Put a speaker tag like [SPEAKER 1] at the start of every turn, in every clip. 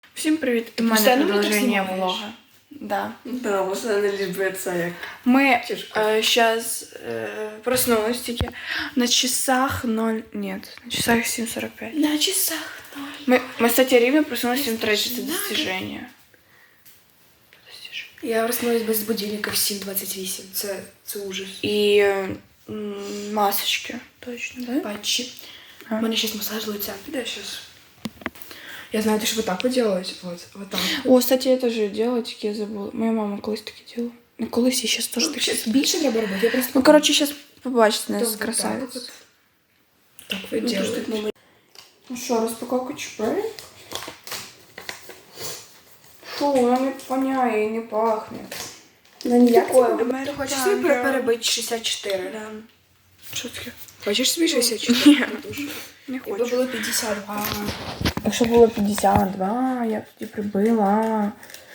[SPEAKER 1] Всім привіт! У мене продовження влога. Да.
[SPEAKER 2] Да, можна не любиться як.
[SPEAKER 1] Мы сейчас проснулись тільки на часах 0... Нет, на часах 7:45.
[SPEAKER 2] На часах.
[SPEAKER 1] Мы кстати, рівно проснулись в 7:30. Це достиження.
[SPEAKER 2] Я проснулась без будильника в 7:28. Це ужас.
[SPEAKER 1] І масочки. Точно, да?
[SPEAKER 2] Патчи. У мене сейчас масаж лица. Піде сейчас. Я знаю, ты же вот так вот делаешь. Вот так.
[SPEAKER 1] О, кстати, я тоже делала, тільки я забула. Моя мама колись таке делала. Ну, колись, я сейчас тоже таке.
[SPEAKER 2] Сейчас більше треба робити. Я просто...
[SPEAKER 1] Ну, короче, сейчас побачите нас,
[SPEAKER 2] Вот
[SPEAKER 1] красавиц.
[SPEAKER 2] так вот. Так вы делаете.
[SPEAKER 1] Ну що, розпаковка чіпей? Фу, вона не воняє і не пахне.
[SPEAKER 2] Ну ніяк.
[SPEAKER 1] Ти
[SPEAKER 2] Хочеш собі перебити 64?
[SPEAKER 1] Да. Що таке?
[SPEAKER 2] Хочеш собі 64?
[SPEAKER 1] Не
[SPEAKER 2] Якби
[SPEAKER 1] хочу.
[SPEAKER 2] було 52.
[SPEAKER 1] Якщо було 52, я б тоді прибила.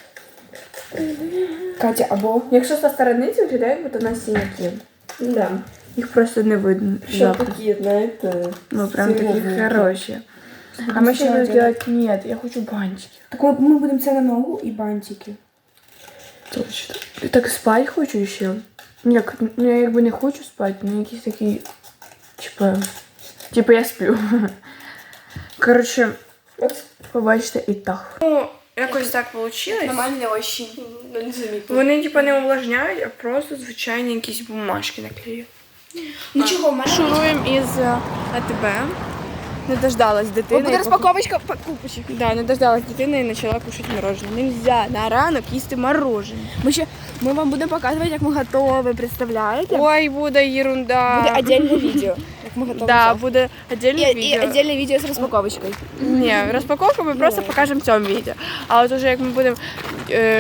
[SPEAKER 1] Катя, або... Якщо со сторони це виглядає, як будто на синяки.
[SPEAKER 2] Да.
[SPEAKER 1] Їх просто не видно.
[SPEAKER 2] Що такі, знаєте?
[SPEAKER 1] Ну, прям такі хороші. А ми ще будемо делать... Нет, я хочу бантики.
[SPEAKER 2] Так ми будемо це на ногу і бантики.
[SPEAKER 1] Точно. Я так спать хочу ще. Ну, я якби не хочу спати, але якісь такі... Типа я сплю. Коротше, побачите і так. Ну, якось так вийшло.
[SPEAKER 2] Нормальні овощі. Не замітно.
[SPEAKER 1] Вони типа не увлажняють, а просто звичайні якісь бумажки наклеють.
[SPEAKER 2] Ну чого, в мене...
[SPEAKER 1] Шуруємо із АТБ. Не дождалась дитини.
[SPEAKER 2] Буде розпаковочка покупочек.
[SPEAKER 1] Да, не дождалась дитини і почала кушати мороженое. Нельзя на ранок їсти мороженое.
[SPEAKER 2] Ми вам будемо показувати, як ми готові, представляєте?
[SPEAKER 1] Ой, буде ерунда.
[SPEAKER 2] Буде окреме відео, як ми готові.
[SPEAKER 1] Да, буде отдельне
[SPEAKER 2] І
[SPEAKER 1] відео.
[SPEAKER 2] окреме відео з розпаковочкою.
[SPEAKER 1] Ні, розпаковку ми просто покажемо в цьому відео. А от уже як ми будемо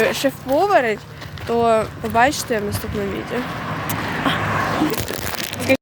[SPEAKER 1] шеф-поварити, то побачите в наступному відео.